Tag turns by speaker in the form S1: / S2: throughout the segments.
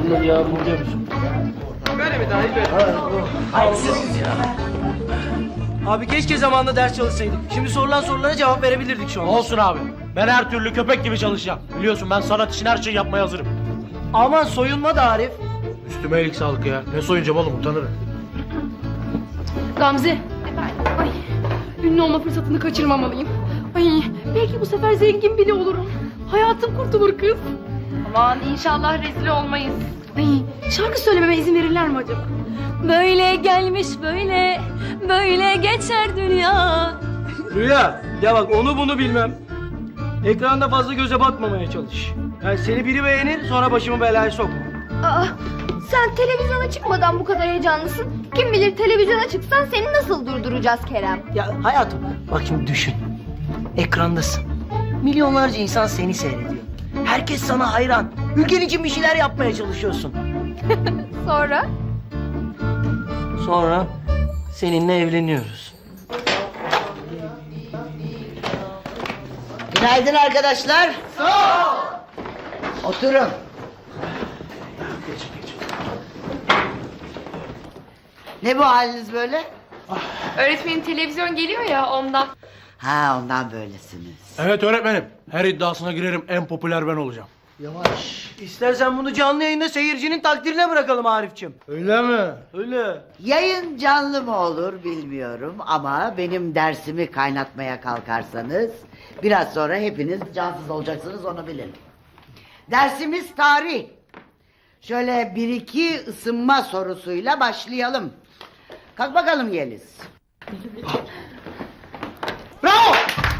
S1: Bunun cevabını biliyor musun?
S2: Böyle mi daha iyi böyle?
S1: Haksız ya.
S3: Abi keşke zamanında ders çalışsaydık. Şimdi sorulan sorulara cevap verebilirdik şu an.
S1: Olsun abi. Ben her türlü köpek gibi çalışacağım. Biliyorsun ben sanat için her şeyi yapmaya hazırım.
S3: Aman soyunma da Arif.
S1: Üstüme iyilik sağlık ya. Ne soyunacağım oğlum, utanırım.
S4: Gamze. Ay, ünlü olma fırsatını kaçırmamalıyım. Ay, belki bu sefer zengin bile olurum. Hayatım kurtulur kız. Aman inşallah rezil olmayız. Ay, şarkı söylememe izin verirler mi acaba?
S5: Böyle gelmiş böyle, böyle geçer dünya.
S3: Rüya, ya bak onu bunu bilmem. Ekranda fazla göze batmamaya çalış. Yani seni biri beğenir, sonra başımı belaya sokma.
S6: Aa, sen televizyona çıkmadan bu kadar heyecanlısın. Kim bilir televizyona çıksan seni nasıl durduracağız Kerem?
S3: Ya hayatım, bak şimdi düşün. Ekrandasın. Milyonlarca insan seni seyrediyor. Herkes sana hayran. Ülken için bir şeyler yapmaya çalışıyorsun.
S6: Sonra?
S3: Sonra seninle evleniyoruz.
S7: Günaydın arkadaşlar. Sağ ol. Oturun. Ne bu haliniz böyle?
S4: Öğretmenin televizyon geliyor ya ondan.
S7: Ha, ondan böylesiniz.
S1: Evet öğretmenim. Her iddiasına girerim, en popüler ben olacağım.
S3: Yavaş. İstersen bunu canlı yayında seyircinin takdirine bırakalım Arifçim.
S1: Öyle mi?
S3: Öyle.
S7: Yayın canlı mı olur bilmiyorum ama benim dersimi kaynatmaya kalkarsanız biraz sonra hepiniz cansız olacaksınız, onu bilin. Dersimiz tarih. Şöyle bir iki ısınma sorusuyla başlayalım. Kalk bakalım Yeliz. Bravo!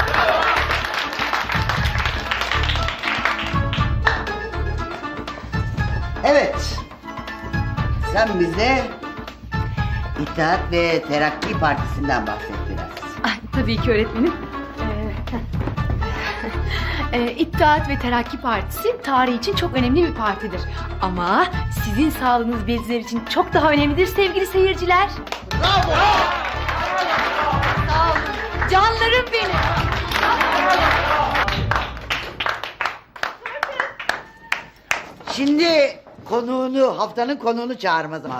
S7: Evet. Sen bize İttihat ve Terakki Partisi'nden bahset biraz.
S4: Ay, tabii ki öğretmenim. İttihat ve Terakki Partisi tarih için çok önemli bir partidir. Ama sizin sağlığınız bizler için çok daha önemlidir sevgili seyirciler.
S7: Bravo!
S4: Sağ olun. Canlarım benim.
S7: Şimdi haftanın konuğunu çağırma zamanı.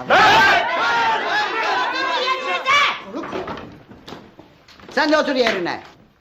S7: Sen de otur yerine.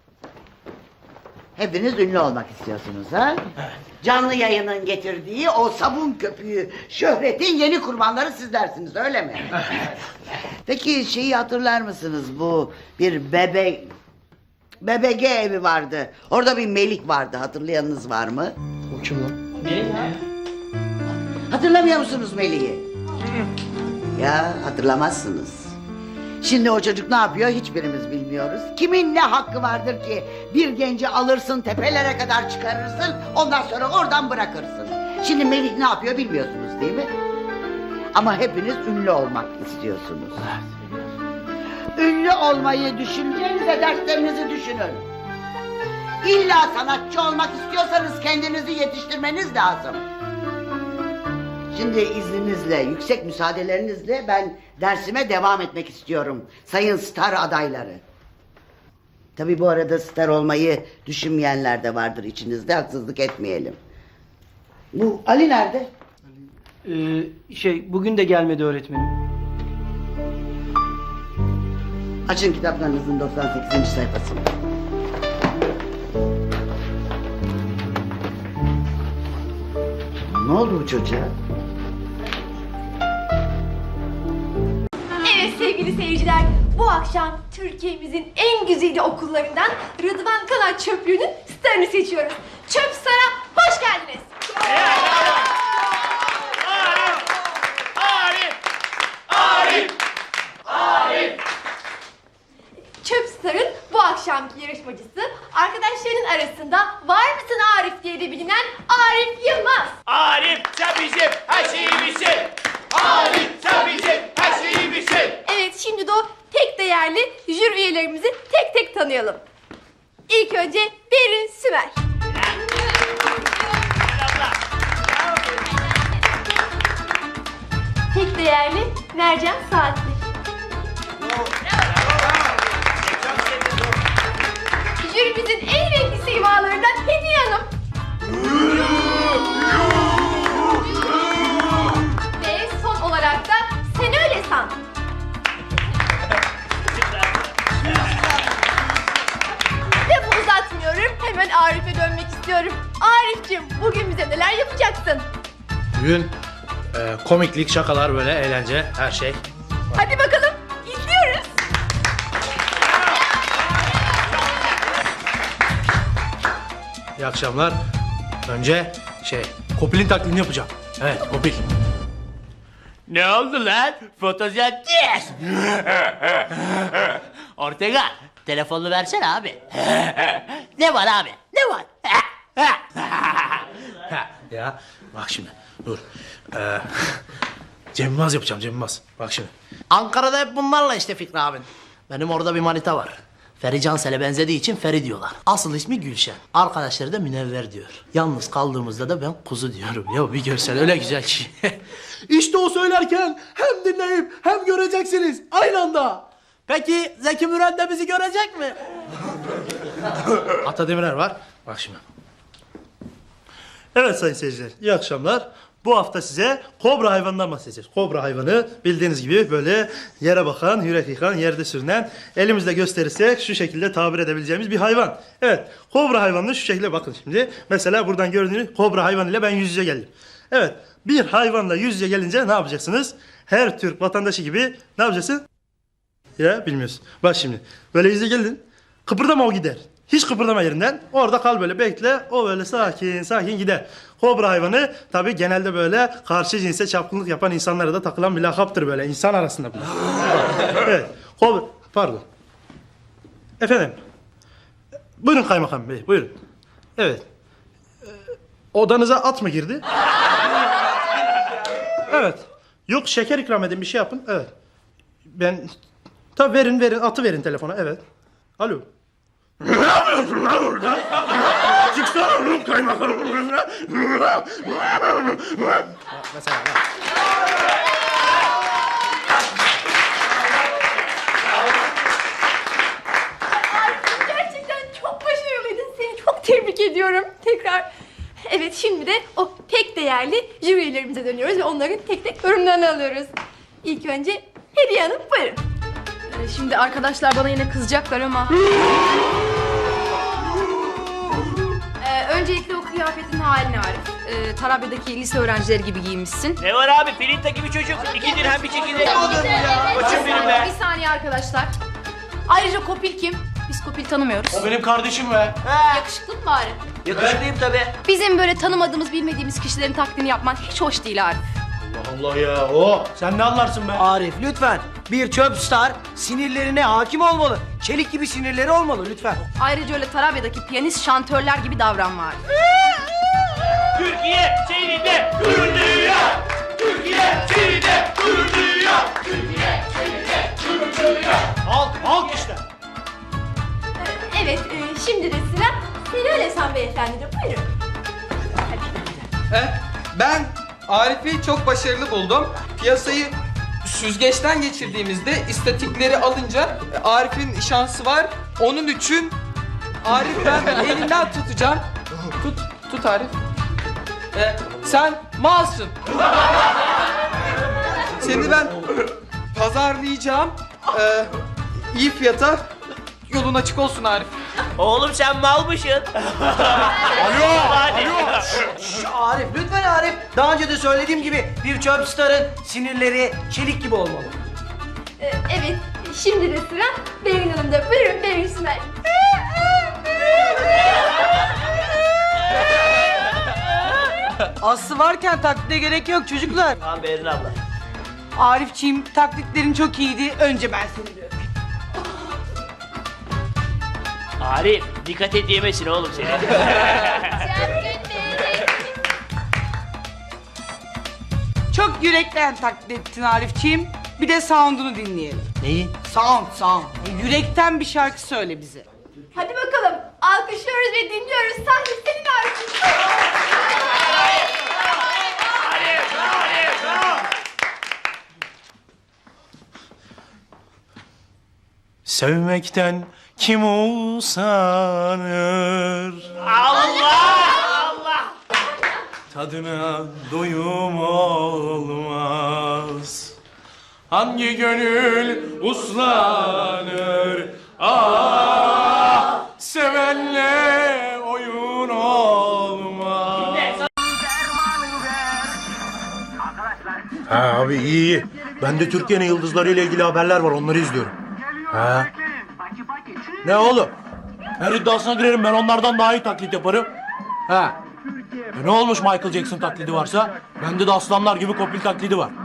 S7: Hepiniz ünlü olmak istiyorsunuz ha? Evet. Canlı yayının getirdiği o sabun köpüğü şöhretin yeni kurbanları sizlersiniz, öyle mi? Peki şeyi hatırlar mısınız, bu bir BBG evi vardı. Orada bir Melik vardı, hatırlayanınız var mı?
S1: O kim lan?
S7: Hatırlamıyor musunuz Melih'i? Ya hatırlamazsınız. Şimdi o çocuk ne yapıyor hiçbirimiz bilmiyoruz. Kimin ne hakkı vardır ki bir genci alırsın, tepelere kadar çıkarırsın, ondan sonra oradan bırakırsın. Şimdi Melih ne yapıyor bilmiyorsunuz değil mi? Ama hepiniz ünlü olmak istiyorsunuz. Ünlü olmayı düşüneceğinize derslerinizi düşünün. İlla sanatçı olmak istiyorsanız kendinizi yetiştirmeniz lazım. Şimdi izninizle, yüksek müsaadelerinizle ben dersime devam etmek istiyorum. Sayın star adayları. Tabii bu arada star olmayı düşünmeyenler de vardır içinizde, haksızlık etmeyelim. Bu Ali nerede?
S3: Bugün de gelmedi öğretmenim.
S7: Açın kitaplarınızın 98. sayfasını. Ne oldu bu çocuğa?
S6: Evet sevgili seyirciler, bu akşam Türkiye'mizin en güzide okullarından Rıdvan Kanat Çöplüğü'nün starını seçiyoruz. Çöp Star'a hoş geldiniz. Çöp Star'ın bu akşamki yarışmacısı arkadaşlarının arasında var mısın Arif diye de bilinen Arif Yılmaz.
S2: Arif sen bizim her şeyimizsin. Arif sen bizim her şeyimizsin.
S6: Evet, şimdi de o tek değerli jüri üyelerimizi tek tek tanıyalım. İlk önce Berin Sümer. Tek değerli Mercan Saatli. Jürimizin en renkli simalarından Hediye Hanım. bize neler yapacaksın?
S1: Bugün komiklik, şakalar, böyle eğlence, her şey.
S6: Hadi bakalım, izliyoruz.
S1: İyi akşamlar. Önce Kopil'in taklidini yapacağım. Evet, Kopil.
S2: Ne oldu lan? Fotosentez. Ortega, telefonunu versene abi. Ne var abi? Ne var?
S1: Ya bak şimdi, dur. Cem Yılmaz yapacağım, Cem Yılmaz. Bak şimdi.
S3: Ankara'da hep bunlarla işte Fikri abin.
S8: Benim orada bir manita var. Feri Cansel'e benzediği için Feri diyorlar. Asıl ismi Gülşen. Arkadaşları da Münevver diyor. Yalnız kaldığımızda da ben kuzu diyorum. Ya bir görsen öyle güzel ki.
S1: İşte o söylerken hem dinleyip hem göreceksiniz aynı anda.
S8: Peki Zeki Müren de bizi görecek mi?
S1: Ata Demirer var. Bak şimdi. Evet sayın seyirciler, iyi akşamlar. Bu hafta size kobra hayvanından bahsedeceğiz. Kobra hayvanı bildiğiniz gibi böyle yere bakan, yürek yıkan, yerde sürünen, elimizle gösterirsek şu şekilde tabir edebileceğimiz bir hayvan. Evet, kobra hayvanını şu şekilde bakın şimdi. Mesela buradan gördüğünüz kobra hayvanıyla ben yüz yüze geldim. Evet, bir hayvanla yüz yüze gelince ne yapacaksınız? Her Türk vatandaşı gibi ne yapacaksın? Ya bilmiyorsun. Bak şimdi, böyle yüz yüze geldin, kıpırdama o gider. Hiç kıpırdama yerinden. Orada kal böyle bekle. O böyle sakin sakin gider. Kobra hayvanı tabii genelde böyle karşı cinse çapkınlık yapan insanlara da takılan bir lakaptır böyle insan arasında bile. Evet. Kobra... Pardon. Efendim. Buyurun kaymakam bey buyurun. Evet. Odanıza at mı girdi? Evet. Yok şeker ikram edin bir şey yapın. Evet. Ben... Tabii verin atı verin telefona evet. Alo. Ne yapıyorsun lan orada? Çıksana oğlum kaymakam. Mesela
S6: Gerçekten çok başarılıydın. Seni çok tebrik ediyorum. Tekrar. Evet, şimdi de o tek değerli jüri üyelerimize dönüyoruz ve onların tek tek yorumlarını alıyoruz. İlk önce Hediye Hanım, buyurun.
S4: Şimdi arkadaşlar bana yine kızacaklar ama... öncelikle o kıyafetin haline Arif. Tarabya'daki lise öğrencileri gibi giyinmişsin.
S2: Ne var abi? Filinta gibi çocuk. 2 dirhem bir çekirdek. Koçum benim be.
S4: Bir saniye arkadaşlar. Ayrıca Kopil kim? Biz Kopil tanımıyoruz.
S1: o benim kardeşim be.
S4: Yakışıklı mı bari?
S2: Yakışıklıyım tabii.
S4: Bizim böyle tanımadığımız, bilmediğimiz kişilerin taklidini yapman hiç hoş değil Arif.
S1: Allah ya o. Sen ne anlarsın be?
S3: Arif lütfen. Bir çöp star sinirlerine hakim olmalı. Çelik gibi sinirleri olmalı lütfen.
S4: Ayrıca öyle Tarabya'daki piyanist şantörler gibi davranma Arif.
S2: Türkiye seninle gurur duyuyor. Türkiye seninle gurur duyuyor. Türkiye seninle gurur duyuyor.
S1: Halk işte.
S6: Evet, şimdi de sıra Hilal Esen Beyefendi'de. Buyurun.
S9: Ben Arif'i çok başarılı buldum. Piyasayı süzgeçten geçirdiğimizde istatikleri alınca Arif'in şansı var. Onun için Arif ben elinden tutacağım. Tut Arif. Sen malsın. Seni ben pazarlayacağım. İyi fiyata. Yolun açık olsun Arif.
S2: Oğlum sen malmışsın.
S3: Arif lütfen Arif. Daha önce de söylediğim gibi bir çöp starın sinirleri çelik gibi olmalı.
S6: Evet, şimdi de sıra Berin Hanım'da. Buyurun Berin İsmail.
S10: Aslı varken taklide gerek yok çocuklar.
S2: Tamam Berin abla.
S10: Arifçiğim taklitlerin çok iyiydi. Önce ben seni bir öpeyim.
S2: Arif dikkat et yemesin oğlum seni.
S10: Çok yürekten taklit ettin Arifçiğim. Bir de sound'unu dinleyelim.
S8: Neyi?
S10: Sound. Yürekten bir şarkı söyle bize.
S6: Hadi bakalım, alkışlıyoruz ve dinliyoruz. Sahne senin Arif.
S1: Sevmekten kim usanır?
S2: Allah!
S1: Tadına doyum olmaz. Hangi gönül uslanır? Ah, sevenle oyun olmaz.
S11: Ha abi iyi. Ben de Türkiye'nin yıldızları ile ilgili haberler var, onları izliyorum. Ha. Ne oğlum? Her iddiasına girerim, ben onlardan daha iyi taklit yaparım. Ha. Ne olmuş Michael Jackson taklidi varsa? Bende de aslanlar gibi Kopil taklidi var.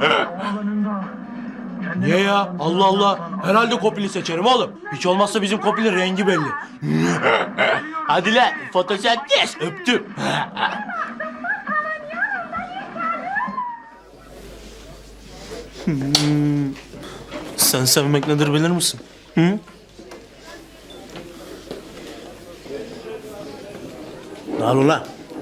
S11: Niye ya? Allah Allah. Herhalde Kopil'i seçerim oğlum. Hiç olmazsa bizim Kopil'in rengi belli. Hadi lan, fotosentez. Öptüm.
S12: Sen sevmek nedir bilir misin? Hı?
S11: Ne al ulan?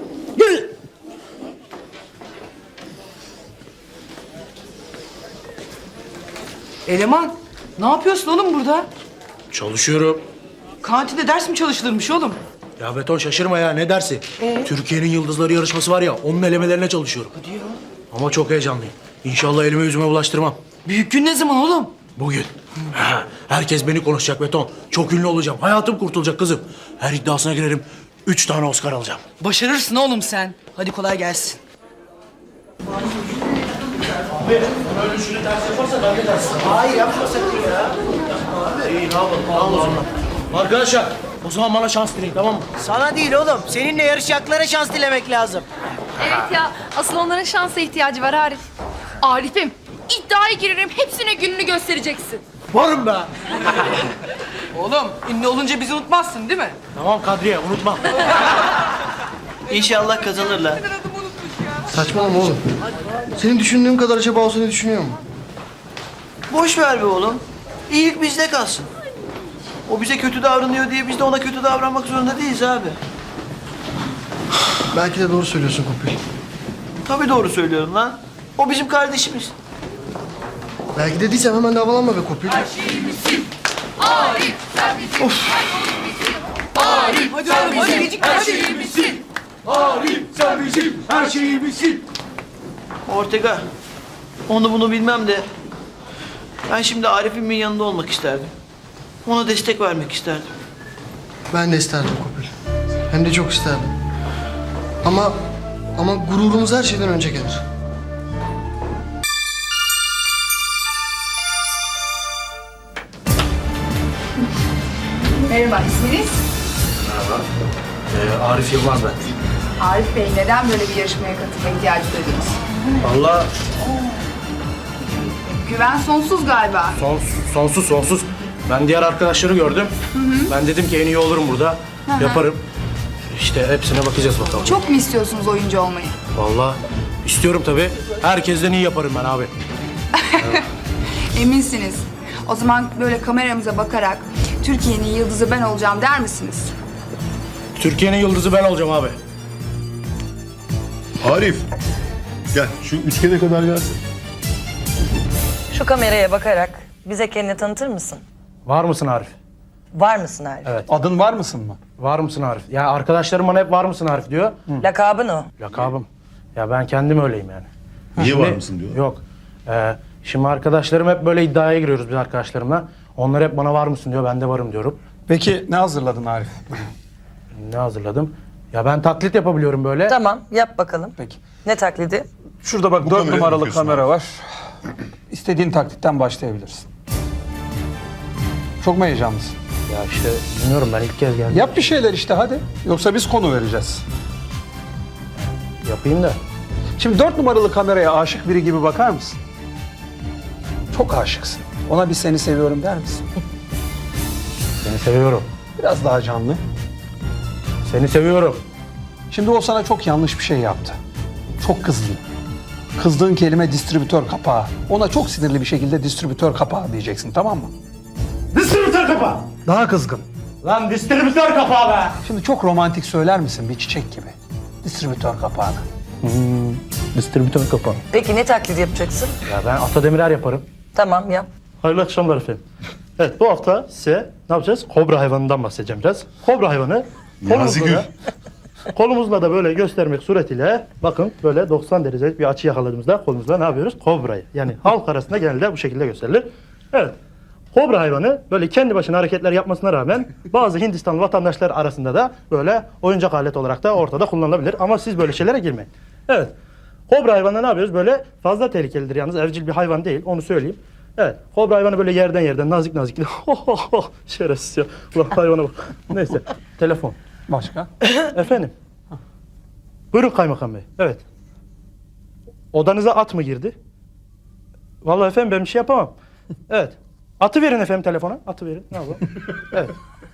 S10: Eleman, ne yapıyorsun oğlum burada?
S11: Çalışıyorum.
S10: Kantinde ders mi çalışılırmış oğlum?
S11: Ya Beton şaşırma ya, ne dersi? Türkiye'nin yıldızları yarışması var ya, onun elemelerine çalışıyorum.
S10: Hadi ya.
S11: Ama çok heyecanlıyım. İnşallah elime yüzüme bulaştırmam.
S10: Büyük gün ne zaman oğlum?
S11: Bugün. Ha, herkes beni konuşacak Beton. Çok ünlü olacağım. Hayatım kurtulacak kızım. Her iddiasına girerim. 3 tane Oscar alacağım.
S10: Başarırsın oğlum sen. Hadi kolay gelsin.
S11: Abi, böyle şunu ters yaparsa ben de ters. Hayır, yapma sakın ya. Abi, iyi, ne yapalım? Allah. Arkadaşlar, o zaman bana şans dileyin, tamam mı?
S3: Sana değil oğlum. Seninle yarışacaklara şans dilemek lazım.
S4: Evet ya, asıl onların şansa ihtiyacı var Arif. Arif'im, iddiaya girerim, hepsine gününü göstereceksin.
S11: Varım be.
S10: Oğlum, ünlü olunca bizi unutmazsın değil mi?
S11: Tamam Kadriye, unutma.
S3: İnşallah kazanırlar.
S13: Saçmalama oğlum. Senin düşündüğün kadar acaba o seni düşünüyor mu?
S3: Boş ver be oğlum. İyilik bizde kalsın. O bize kötü davranıyor diye biz de ona kötü davranmak zorunda değiliz abi.
S13: Belki de doğru söylüyorsun Kopil.
S3: Tabii doğru söylüyorum lan. O bizim kardeşimiz.
S13: Belki de değilsem hemen de havalanma be Kopil.
S10: Hadi oğlum, hadi gecikme hadi.
S2: Arif sen bizim her şeyimizsin.
S3: Ortega, onu bunu bilmem de ben şimdi Arif'imin yanında olmak isterdim. Ona destek vermek isterdim.
S13: Ben de isterdim Kopil. Hem de çok isterdim. Ama gururumuz her şeyden önce gelir.
S14: Merhaba, isminiz?
S11: Arif Yılmaz ben.
S14: Arif Bey, neden böyle bir yarışmaya katılma ihtiyacı duydunuz?
S11: Vallahi
S14: Güven sonsuz galiba.
S11: sonsuz. Ben diğer arkadaşları gördüm. Ben dedim ki en iyi olurum burada. Yaparım. İşte hepsine bakacağız bakalım.
S14: Çok mu istiyorsunuz oyuncu olmayı?
S11: Vallahi istiyorum tabii. Herkesten iyi yaparım ben abi.
S14: Eminsiniz. O zaman böyle kameramıza bakarak Türkiye'nin yıldızı ben olacağım der misiniz?
S11: Türkiye'nin yıldızı ben olacağım abi.
S15: Arif, gel şu üçgene kadar gelsin.
S16: Şu kameraya bakarak bize kendini tanıtır mısın?
S11: Var mısın Arif?
S16: Var mısın Arif?
S11: Evet.
S9: Adın var mısın mı?
S11: Var mısın Arif? Ya arkadaşlarım bana hep var mısın Arif diyor.
S16: Lakabın o.
S11: Lakabım. Ya ben kendim öyleyim yani.
S15: Niye var mısın diyor?
S11: Yok. Şimdi arkadaşlarım hep böyle iddiaya giriyoruz biz arkadaşlarımla. Onlar hep bana var mısın diyor. Ben de varım diyorum.
S9: Peki ne hazırladın Arif?
S11: Ne hazırladım? Ya ben taklit yapabiliyorum böyle.
S16: Tamam, yap bakalım.
S9: Peki.
S16: Ne taklidi?
S9: Şurada bak
S15: Bu
S9: 4
S15: kamerayı
S9: numaralı
S15: bakıyorsun
S9: kamera var. İstediğin taklitten başlayabilirsin. Çok mu heyecanlısın?
S11: Ya işte bilmiyorum, ben ilk kez geldim.
S9: Yap bir şeyler işte hadi. Yoksa biz konu vereceğiz.
S11: Yapayım da.
S9: Şimdi 4 numaralı kameraya aşık biri gibi bakar mısın? Çok aşıksın. Ona bir seni seviyorum der misin?
S11: Seni seviyorum.
S9: Biraz daha canlı.
S11: Seni seviyorum.
S9: Şimdi o sana çok yanlış bir şey yaptı. Çok kızdın. Kızdığın kelime distribütör kapağı. Ona çok sinirli bir şekilde distribütör kapağı diyeceksin, tamam mı?
S11: Distribütör kapağı.
S9: Daha kızgın.
S11: Lan distribütör kapağı be.
S9: Şimdi çok romantik söyler misin bir çiçek gibi? Distribütör kapağını.
S11: Distribütör kapağı.
S16: Peki ne taklidi yapacaksın?
S11: Ya ben Ata Demirer yaparım.
S16: Tamam, yap.
S1: Hayırlı akşamlar efendim. Evet, bu hafta size ne yapacağız? Kobra hayvanından bahsedeceğim biraz. Kobra hayvanı kolumuzla da böyle göstermek suretiyle bakın böyle 90 derecelik bir açı yakaladığımızda kolumuzla ne yapıyoruz? Kobrayı. Yani halk arasında genelde bu şekilde gösterilir. Evet. Kobra hayvanı böyle kendi başına hareketler yapmasına rağmen bazı Hindistan vatandaşlar arasında da böyle oyuncak alet olarak da ortada kullanılabilir. Ama siz böyle şeylere girmeyin. Evet. Kobra hayvanı ne yapıyoruz? Böyle fazla tehlikelidir yalnız. Evcil bir hayvan değil. Onu söyleyeyim. Evet. Kobra hayvanı böyle yerden nazik nazik. Şerefsiz ya. Ulan hayvana bak. Neyse. Telefon.
S9: Başka?
S1: Efendim. Buyurun kaymakam bey. Evet. Odanıza at mı girdi? Vallahi efendim ben bir şey yapamam. Evet. Atı verin efendim telefona. Atı verin. Ne yapalım? Evet.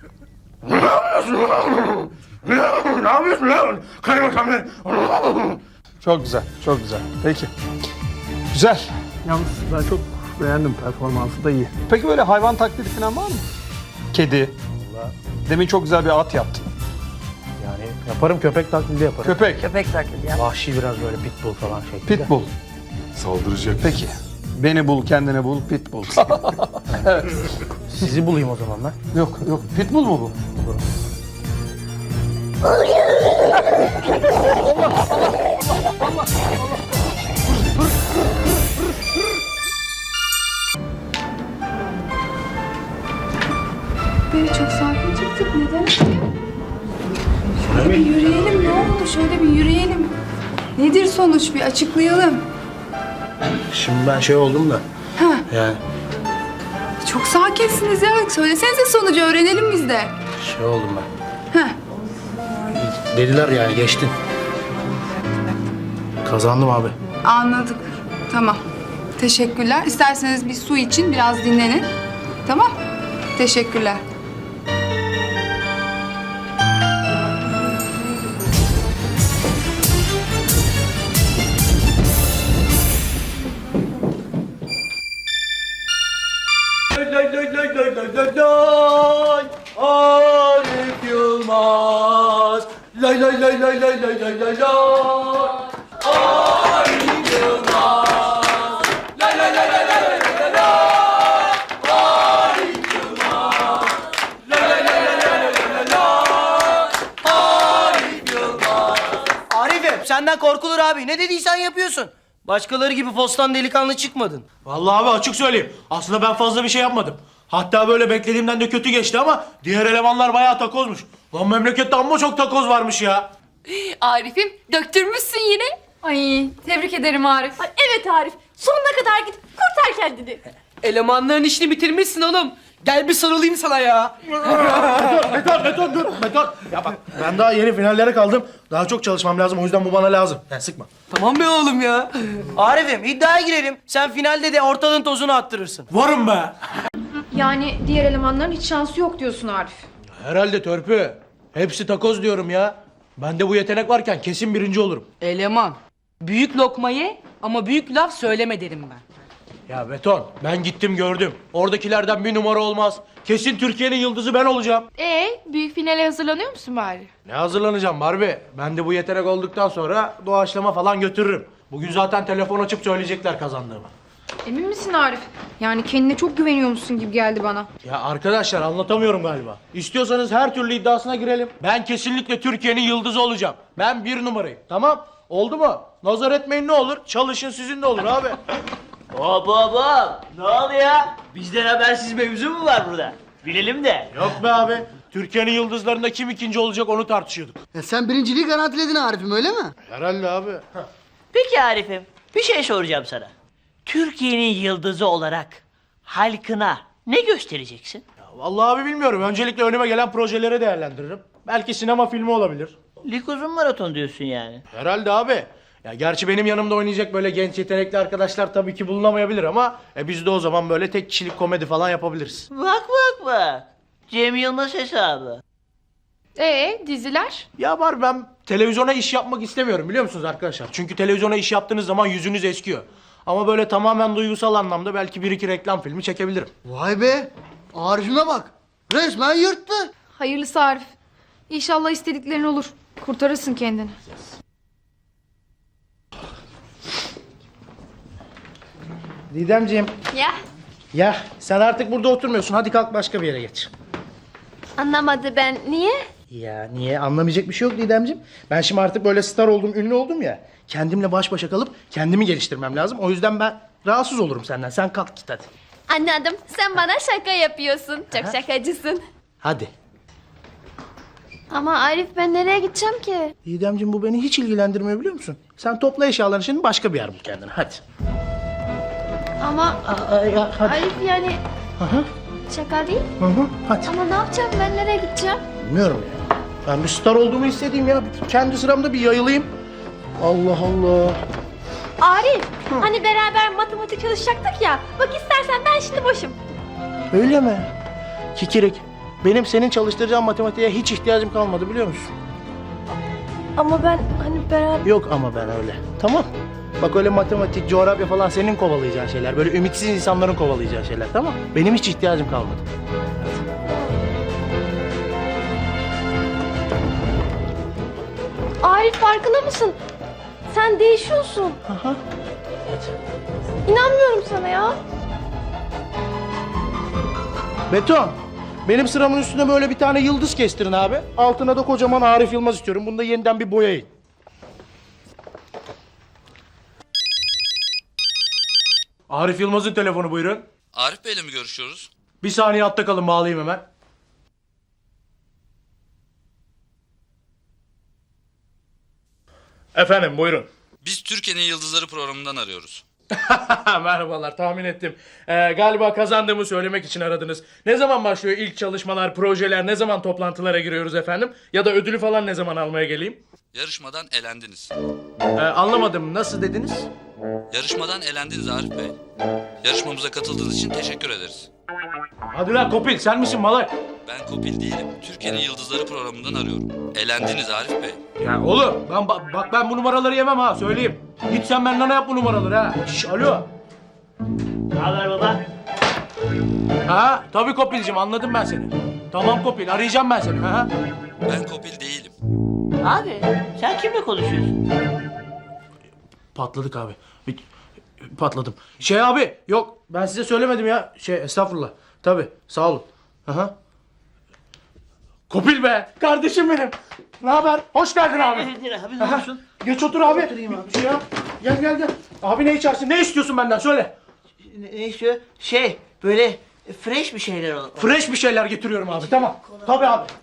S11: Ne yapıyorsun lan? Kaymakam bey.
S9: Çok güzel, çok güzel. Peki. Güzel. Yalnız ben çok beğendim, performansı da iyi. Peki böyle hayvan taklidi falan var mı? Kedi. Demin çok güzel bir at yaptın.
S1: Yani yaparım, köpek taklidi yaparım.
S9: Köpek.
S16: Köpek taklidi ya.
S1: Vahşi biraz böyle pitbull falan şeklinde.
S9: Pitbull.
S15: Saldıracak.
S9: Peki. Beni bul, kendine bul, pitbull. Evet.
S1: Sizi bulayım o zaman ben.
S9: Yok, pitbull mu bu?
S14: Böyle çok sakin çıktık. Neden? Şöyle bir yürüyelim. Ne oldu? Şöyle bir yürüyelim. Nedir sonuç? Bir açıklayalım.
S1: Şimdi ben şey oldum da.
S14: Ha,
S1: Yani
S14: çok sakinsiniz ya. Söylesenize sonucu öğrenelim biz de.
S1: şey oldum ben.
S14: Ha.
S1: Dediler yani geçtin. Kazandım abi.
S14: Anladık. Tamam. Teşekkürler. İsterseniz bir su için biraz dinlenin. Tamam. Teşekkürler.
S11: Arif Yılmaz. Lay lay lay lay lay lay lay lay lay. Arif Yılmaz. Lay lay lay lay lay lay lay. Arif Yılmaz. Lay lay lay lay lay lay. Arif Yılmaz.
S3: Arif'im senden korkulur abi. Ne dediysen yapıyorsun. Başkaları gibi postan delikanlı çıkmadın.
S11: Vallahi abi açık söyleyeyim. Aslında ben fazla bir şey yapmadım. Hatta böyle beklediğimden de kötü geçti ama diğer elemanlar bayağı takozmuş. Lan memlekette amma çok takoz varmış ya.
S4: Arif'im döktürmüşsün yine. Ay tebrik ederim Arif.
S6: Ay, evet Arif. Sonuna kadar git. Kurtar kendini.
S3: Elemanların işini bitirmişsin oğlum. Gel bir sarılayım sana ya.
S11: Beton dur. Ya bak ben daha yeni finallere kaldım. Daha çok çalışmam lazım, o yüzden bu bana lazım. Yani sıkma.
S3: Tamam be oğlum ya. Arif'im iddiaya girelim. Sen finalde de ortalığın tozunu attırırsın.
S11: Varım be.
S4: Yani diğer elemanların hiç şansı yok diyorsun Arif.
S11: Herhalde törpü. Hepsi takoz diyorum ya. Bende bu yetenek varken kesin birinci olurum.
S10: Eleman. Büyük lokma ye ama büyük laf söyleme derim ben.
S11: Ya Beton, ben gittim gördüm. Oradakilerden bir numara olmaz. Kesin Türkiye'nin yıldızı ben olacağım.
S4: Büyük finale hazırlanıyor musun bari?
S11: Ne hazırlanacağım Barbie? Ben de bu yetenek olduktan sonra doğaçlama falan götürürüm. Bugün zaten telefon açıp söyleyecekler kazandığımı.
S4: Emin misin Arif? Yani kendine çok güveniyormuşsun gibi geldi bana.
S11: Ya arkadaşlar anlatamıyorum galiba. İstiyorsanız her türlü iddiasına girelim. Ben kesinlikle Türkiye'nin yıldızı olacağım. Ben bir numarayım. Tamam? Oldu mu? Nazar etmeyin ne olur? Çalışın sizin de olur abi.
S2: Hop hop hop. Ne oluyor? Bizden habersiz mevzu mu var burada? Bilelim de.
S11: Yok be abi. Türkiye'nin yıldızlarında kim ikinci olacak onu tartışıyorduk.
S13: Sen birinciliği garantiledin Arif'im öyle mi?
S11: Herhalde abi.
S2: Peki Arif'im, bir şey soracağım sana. Türkiye'nin yıldızı olarak halkına ne göstereceksin?
S11: Vallahi abi bilmiyorum. Öncelikle önüme gelen projeleri değerlendiririm. Belki sinema filmi olabilir.
S2: Lig uzun maraton diyorsun yani.
S11: Herhalde abi. Ya gerçi benim yanımda oynayacak böyle genç yetenekli arkadaşlar tabii ki bulunamayabilir ama biz de o zaman böyle tek kişilik komedi falan yapabiliriz.
S2: Bak. Cem Yılmaz hesabı.
S4: Diziler?
S11: Ya var ben televizyona iş yapmak istemiyorum biliyor musunuz arkadaşlar? Çünkü televizyona iş yaptığınız zaman yüzünüz eskiyor. Ama böyle tamamen duygusal anlamda belki bir iki reklam filmi çekebilirim.
S13: Vay be. Arif'ime bak. Resmen yırttı.
S4: Hayırlısı Arif. İnşallah istediklerin olur. Kurtarırsın kendini.
S11: Didemciğim.
S6: Ya
S11: Ya sen artık burada oturmuyorsun. Hadi kalk başka bir yere geç.
S6: anlamadı ben. Niye?
S11: Ya niye? Anlamayacak bir şey yok Didemciğim. Ben şimdi artık böyle star oldum, ünlü oldum ya. Kendimle baş başa kalıp kendimi geliştirmem lazım. O yüzden ben rahatsız olurum senden. Sen kalk git hadi.
S6: Anladım. Sen bana şaka yapıyorsun. Çok şakacısın.
S11: Hadi.
S4: Ama Arif ben nereye gideceğim ki?
S8: Didemciğim bu beni hiç ilgilendirmiyor biliyor musun? Sen topla eşyalarını şimdi başka bir yer bul kendine hadi.
S4: Ama
S8: Ya, hadi.
S4: Arif yani
S8: Hı hı,
S4: şaka değil.
S8: hı hı, hadi.
S4: Ama ne yapacağım ben nereye gideceğim?
S8: Bilmiyorum ya. Ben bir star olduğumu hissedeyim ya. Kendi sıramda bir yayılayım. Allah Allah.
S6: Arif, hani beraber matematik çalışacaktık ya. Bak istersen ben şimdi boşum.
S8: Öyle mi? Kikirik. Benim senin çalıştıracağın matematiğe hiç ihtiyacım kalmadı biliyor musun?
S4: Ama ben hani beraber...
S8: Yok ama ben öyle. Tamam. Bak öyle matematik, coğrafya falan senin kovalayacağın şeyler. Böyle ümitsiz insanların kovalayacağı şeyler tamam. Benim hiç ihtiyacım kalmadı.
S4: Arif farkında mısın? Sen değişiyorsun.
S8: Aha.
S4: İnanmıyorum sana ya.
S8: Beton. Benim sıramın üstüne böyle bir tane yıldız kestirin abi. Altına da kocaman Arif Yılmaz istiyorum. Bunu da yeniden bir boyayın.
S11: Arif Yılmaz'ın telefonu buyurun.
S17: Arif Bey'le mi görüşüyoruz?
S11: Bir saniye hatta kalın bağlayayım hemen. Efendim buyurun.
S17: Biz Türkiye'nin Yıldızları programından arıyoruz.
S11: Merhabalar tahmin ettim. Galiba kazandığımı söylemek için aradınız. Ne zaman başlıyor ilk çalışmalar, projeler, ne zaman toplantılara giriyoruz efendim? Ya da ödülü falan ne zaman almaya geleyim?
S17: Yarışmadan elendiniz.
S11: Anlamadım nasıl dediniz?
S17: Yarışmadan elendiniz Arif Bey. Yarışmamıza katıldığınız için teşekkür ederiz.
S11: Hadi lan Kopil sen misin malay?
S17: Ben Kopil değilim. Türkiye'nin Yıldızları programından arıyorum. Elendiniz Arif Bey.
S11: Ya oğlum bak ben bu numaraları yemem ha söyleyeyim. Git sen benden yap bu numaraları ha. Şş, alo.
S2: Ne haber baba?
S11: Ha tabii Kopil'cim anladım ben seni. Tamam Kopil arayacağım ben seni. Ha.
S17: Ben Kopil değilim.
S2: Abi sen kimle konuşuyorsun?
S11: Patladık abi. Patladım. Şey abi yok ben size söylemedim ya. Estağfurullah. Tabii sağ olun. Aha. Kopil be kardeşim benim. Ne haber? Hoş geldin abi.
S2: Abi ne olursun?
S11: Geç otur abi. Oturayım abi. Şey yap. Gel. Abi ne içersin? Ne istiyorsun benden? Söyle.
S2: Ne istiyor? Böyle fresh bir şeyler olur.
S11: Fresh bir şeyler getiriyorum abi. Tamam. Tabii abi.